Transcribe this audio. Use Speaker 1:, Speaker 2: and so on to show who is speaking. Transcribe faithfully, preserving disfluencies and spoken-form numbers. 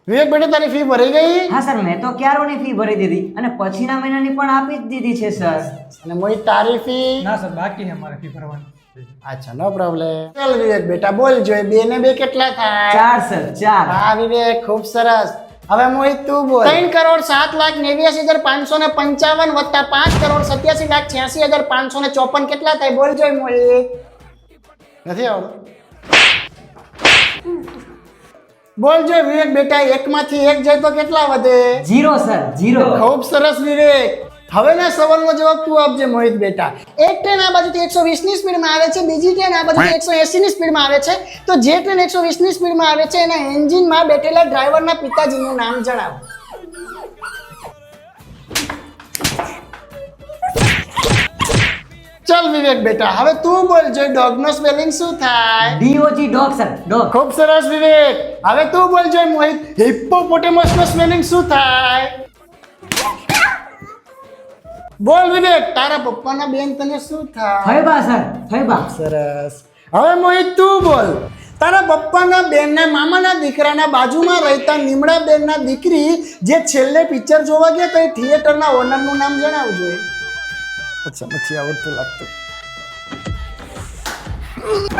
Speaker 1: વિવેક બેટા તારી ફી ભરી ગઈ?
Speaker 2: હા સર, મેં તો ક્યારોની ફી ભરી દીધી અને પછીના મહિનાની પણ આપી જ દીધી છે સર.
Speaker 1: અને મોહિત તારી ફી?
Speaker 3: ના સર, બાકી છે અમારે ફી ભરવાની.
Speaker 1: અચ્છા, નો પ્રોબ્લેમ. ચાલ વિવેક બેટા બોલ જોઈએ, બે ને બે કેટલા થાય?
Speaker 2: ચાર સર, ચાર.
Speaker 1: હા વિવેક, ખૂબ સરસ. હવે મોહિત તું બોલ. ત્રણ કરોડ સાત લાખ નેવ્યાસી હજાર પાંચસો ને પંચાવન વત્તા પાંચ કરોડ સત્યાસી લાખ છ્યાસી હજાર પાંચસો ને ચોપન કેટલા થાય? બોલ જોઈએ મોહિત. નથી આવડતું? બોલ જોઈએ વિવેક બેટા, એક માંથી એક જાય તો કેટલા વધે?
Speaker 2: Zero sir, zero.
Speaker 1: ખૂબ સરસ વિવેક. હવેના સવાલનો જવાબ તું આપજે મોહિત બેટા. એક ટ્રેન આ બાજુથી એકસો વીસ ની સ્પીડમાં આવે છે, બીજી ટ્રેન આ બાજુથી એકસો એંસી ની સ્પીડમાં આવે છે, તો જે ટ્રેન એકસો વીસ ની સ્પીડમાં આવે છે એના એન્જિનમાં બેઠેલા ડ્રાઈવરના પિતાજીનું નામ જણાવો. ચલ વિવેક બેટા, હવે તું બોલ જો ડોગનો સ્પેલિંગ શું થાય?
Speaker 2: D O G, dog sir, dog.
Speaker 1: ખૂબ સરસ વિવેક. હવે તું બોલ જો મોહિત હિપ્પોપોટેમસનો સ્પેલિંગ શું થાય? બોલ વિવેક, તારા પપ્પાના બેન તને શું થાય?
Speaker 2: ફૈબા સર, ફૈબા.
Speaker 1: સરસ. હવે મોહિત તું બોલ, તારા પપ્પાના બેનના મામાના દીકરાના બાજુમાં રહેતા નિમડા બેનના દીકરી જે છેલ્લે પિક્ચર જોવા ગયા તો એ થિયેટરના ઓનરનું નામ જણાવજો. અચ્છા, નથી આવડતું લાગતું.